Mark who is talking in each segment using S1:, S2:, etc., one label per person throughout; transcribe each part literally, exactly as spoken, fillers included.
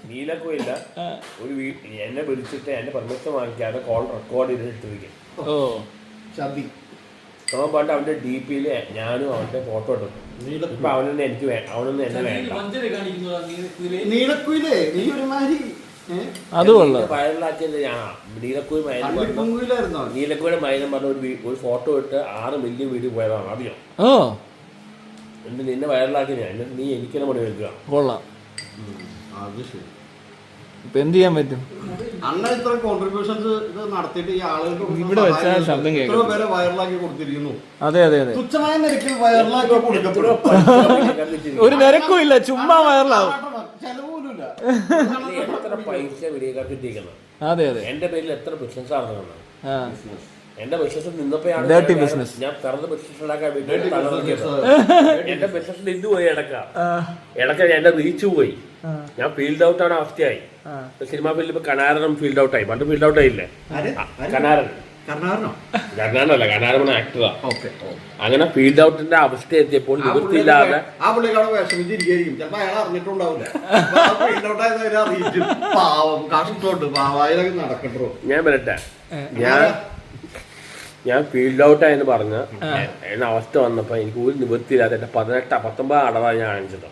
S1: നീലക്കുയില്ല ഒരു എന്നെ വിളിച്ചിട്ട് എന്റെ പെർമിഷൻ വാങ്ങിക്കാതെ കോൾ റെക്കോർഡ് ചെയ്തിട്ടിരിക്കും.
S2: ഓ
S1: ചതി അവൻ പണ്ട് അവന്റെ ഡി പിയില് ഞാനും അവന്റെ ഫോട്ടോ ഇട്ടു. ഇപ്പൊ അവനൊന്നും എനിക്ക് അവനൊന്നും എന്നെ വേണ്ട.
S3: നീലക്കുയിലേ നീ ഒരുമാതിരി
S2: അത് കൊള്ളാം.
S1: വൈറലാക്കിയത് ഞാനാ. നീലക്കുയിൽ മൈനം നീലക്കുയുടെ മൈനം പറഞ്ഞ ഒരു ഒരു ഫോട്ടോ ഇട്ട് ആറ് മില്യൺ വീഡിയോ പോയതാണ്. അറിയോ?
S2: ഓ
S1: എന്നിട്ട് നിന്നെ വൈറലാക്കി ഞാൻ. എന്നിട്ട് നീ എനിക്കെന്നെ പണി വെക്കുക.
S2: കൊള്ളാം.
S3: അത് ശരി.
S2: ഇപ്പൊ എന്ത് ചെയ്യാൻ പറ്റും?
S3: അണ്ണ ഇത്ര കോൺട്രിബ്യൂഷൻസ് ഇത് നടത്തിയിട്ട് ഈ ആളുകൾക്ക്
S2: ഇവിടെ വെച്ചാൽ ശബ്ദം കേൾക്കും.
S3: പേരെ വൈറലാക്കി കൊടുത്തിരിക്കുന്നു.
S2: അതെ അതെ അതെ.
S3: തുച്ഛമായ നിരക്കിൽ വൈറലാക്കി കൊടുക്കപ്പെടും.
S2: ഒരു നിരക്കും ഇല്ല, ചുമ്മാ വൈറലാവും.
S3: ചെലവൂലില്ല.
S1: എത്ര പൈസ വീഡിയോക്കാർക്ക് ഇട്ടിരിക്കണം.
S2: അതെ അതെ.
S1: എന്റെ പേരിൽ എത്ര ബിസിനസ് നടത്തുന്നത്. എന്റെ ബിസിനസ്
S2: ഡേർട്ടി
S1: നിന്നപ്പോഴാണ്
S2: ബിസിനസ്.
S1: ഞാൻ പിറന്ന് ബിസിനസ് ഉണ്ടാക്കാൻ വേണ്ടി എന്റെ ബിസിനസ് ഇത് പോയി ഇടക്ക ഇടക്ക എന്റെ റീച്ച് പോയി. ഞാൻ ഫീൽഡ് ഔട്ട് ആണ് അവസ്ഥയായി. സിനിമാ ഫീൽഡിൽ ഇപ്പൊ കനാരനും ഫീൽഡ് ഔട്ട് ആയി. പണ്ട് ഫീൽഡ് ഔട്ട് ആയില്ലേ? കനാരൻ കർണാടനല്ല, കനാരൻ ആക്ടറാ. അങ്ങനെ ഫീൽഡ് ഔട്ടിന്റെ അവസ്ഥ എത്തിയപ്പോൾ നിവൃത്തിയില്ലാതെ ഞാൻ വരട്ടെ. ഞാൻ ഞാൻ ഫീൽഡ് ഔട്ട് ആയെന്ന് പറഞ്ഞ എന്ന അവസ്ഥ വന്നപ്പോ എനിക്ക് ഒരു നിവൃത്തിയില്ലാതെ എന്റെ പതിനെട്ടാ പത്തൊമ്പത് അടവാണ് ഞാൻ കാണിച്ചത്.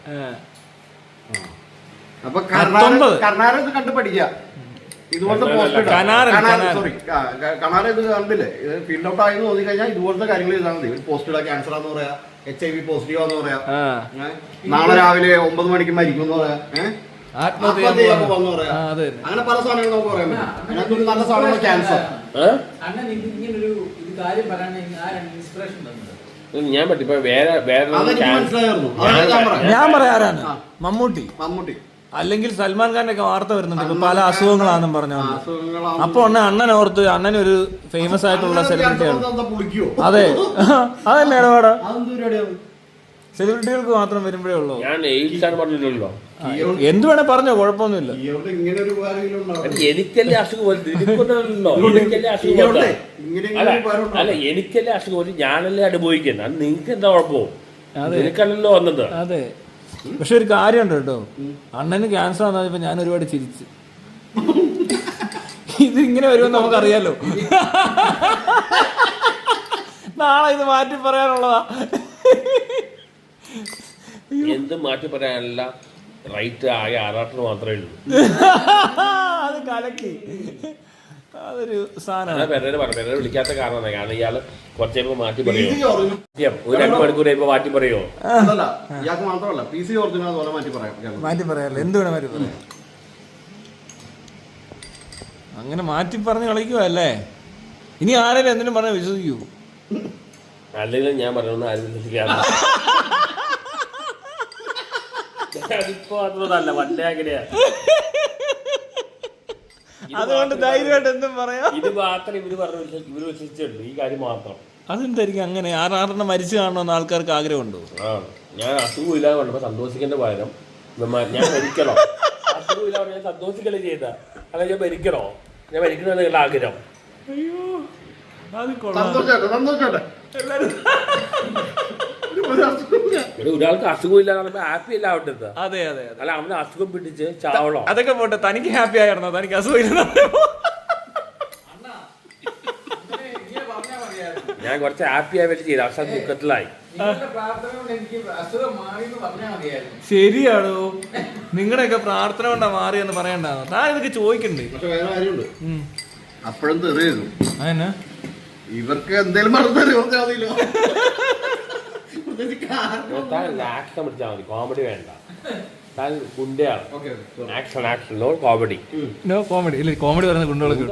S3: അപ്പൊ കർണാടക കണ്ടു പഠിക്കുക. ഇതുപോലത്തെ പോസ്റ്റ് കണാര ഇത് കണ്ടില്ലേ? ഫീൽഡ് ഔട്ട് ആയെന്ന് തോന്നി കഴിഞ്ഞാൽ ഇതുപോലത്തെ കാര്യങ്ങൾ ചെയ്താൽ മതി. ഒരു പോസ്റ്റ് ഇടാ, ക്യാൻസർ ആന്ന് പറയാ, എച്ച് ഐ വി പോസിറ്റീവ് ആന്ന് പറയാ, നാളെ രാവിലെ ഒമ്പത് മണിക്ക് മരിക്കും എന്ന് പറയാ, ആത്മഹത്യ പറയാ. അങ്ങനെ പല സാധനങ്ങൾ നമുക്ക് പറയാൻ പറ്റും. അതിനകത്തൊരു നല്ല സാധനമാണ് ക്യാൻസർ.
S1: ഞാൻ പറ്റിപ്പോ വേറെ വേറെ
S2: ഞാൻ പറയാറാണ് മമ്മൂട്ടി
S3: മമ്മൂട്ടി
S2: അല്ലെങ്കിൽ സൽമാൻ ഖാന്റെ ഒക്കെ വാർത്ത വരുന്നുണ്ട് ഇപ്പൊ പല അസുഖങ്ങളാണെന്നും പറഞ്ഞു. അപ്പൊ അണ്ണ അണ്ണൻ ഓർത്ത് അണ്ണൻ ഒരു ഫേമസ് ആയിട്ടുള്ള സെലിബ്രിറ്റിയാണ്. അതെ അതല്ലേ ഇടപാടാ? സെലിബ്രിറ്റികൾക്ക് മാത്രം വരുമ്പോഴേ ഉള്ളൂ. എന്ത് വേണേ പറഞ്ഞോ, കുഴപ്പമൊന്നുമില്ല.
S1: എനിക്കല്ലേ അസുഖം അല്ല എനിക്കല്ലേ അസുഖം ഞാനല്ലേ അനുഭവിക്കുന്നത്. അത് നിങ്ങൾക്ക് എന്താ കുഴപ്പമോ? നിനക്കല്ലല്ലോ വന്നത്.
S2: അതെ, പക്ഷെ ഒരു കാര്യമുണ്ട് കേട്ടോ, അണ്ണന് ക്യാൻസർ വന്നപ്പോ ഞാൻ ഒരുപാട് ചിരിച്ച്. ഇത് ഇങ്ങനെ വരുമെന്ന് നമുക്കറിയാലോ. നാളെ ഇത് മാറ്റി പറയാനുള്ളതാ.
S1: എന്ത് മാറ്റി പറയാനല്ല, റൈറ്റ് ആയ ആറാട്ടിന് മാത്രമേ ഉള്ളൂ.
S2: അത് കലക്കി. അതൊരു സാധനം
S1: വിളിക്കാത്ത കാരണം കാരണം ഇയാള് കുറച്ച് കഴിയുമ്പോ മാറ്റി പറയുമോ? ഒരു രണ്ട് മണിക്കൂർ കഴിയുമ്പോ മാറ്റി പറയുമോ?
S2: മാറ്റി പറയാല്ലോ, എന്ത് വേണേ മാറ്റി പറയാം. അങ്ങനെ മാറ്റി പറഞ്ഞ് കളിക്കുവല്ലേ. ഇനി ആരെങ്കിലും എന്തിനും പറഞ്ഞാൽ വിശ്വസിക്കൂ?
S1: അല്ലെങ്കിൽ ഞാൻ പറഞ്ഞൊന്നും ആരും വിശ്വസിക്കാറില്ല. അതിപ്പോ അതൊന്നല്ല, പണ്ടേ അങ്ങനെയാ.
S2: അതുകൊണ്ട് ധൈര്യമായിട്ട് എന്തും പറയാം.
S1: ഇത് മാത്രം ഇവര് പറഞ്ഞു ഇവര് വിശ്വസിച്ചുള്ളൂ, ഈ കാര്യം മാത്രം.
S2: അതെന്തായിരിക്കും അങ്ങനെ? ആറാറെണ്ണം മരിച്ചു കാണണമെന്ന് ആൾക്കാർക്ക് ആഗ്രഹമുണ്ടോ?
S1: ആ, ഞാൻ അസുഖമില്ലാതെ കൊണ്ടപ്പോ സന്തോഷിക്കേണ്ട പകരം ഞാൻ മരിക്കണോ? അസുഖമില്ലാതെ ഞാൻ സന്തോഷിക്കല്ലേ ചെയ്ത, അല്ല ഞാൻ മരിക്കണോ? ഞാൻ മരിക്കണോ എന്നുള്ള ആഗ്രഹം.
S2: അയ്യോ,
S1: ഒരാൾക്ക് അസുഖമില്ലാതെ ഹാപ്പി അല്ല ആവട്ടെ.
S2: അതെ അതെ,
S1: അല്ല അവന് അസുഖം പിടിച്ച് ചാവളോ?
S2: അതൊക്കെ പോട്ടെ, തനിക്ക് ഹാപ്പി ആയിരുന്നോ? തനിക്ക് അസുഖമില്ല.
S1: ഞാൻ കുറച്ച് ഹാപ്പി ആയി വേണ്ടി ചെയ്തു, അവസാനം ദുഃഖത്തിലായി.
S2: ശരിയാണോ? നിങ്ങളുടെയൊക്കെ പ്രാർത്ഥന കൊണ്ടാ മാറിയെന്ന് പറയണ്ടാണോ? താൻ ഇതൊക്കെ ചോദിക്കണ്ടേ?
S3: അപ്പോഴും തെറിയുന്നു.
S2: അതെന്നാ
S3: ഇവർക്ക് എന്തേലും പറഞ്ഞാൽ
S1: ആക്ഷൻ പിടിച്ചാൽ മതി, കോമഡി വേണ്ട. താൻ ഗുണ്ടയാണ്. Action action no comedy.
S2: No comedy ഇല്ല, കോമഡി പറയുന്ന ഗുണ്ടകളൊക്കെ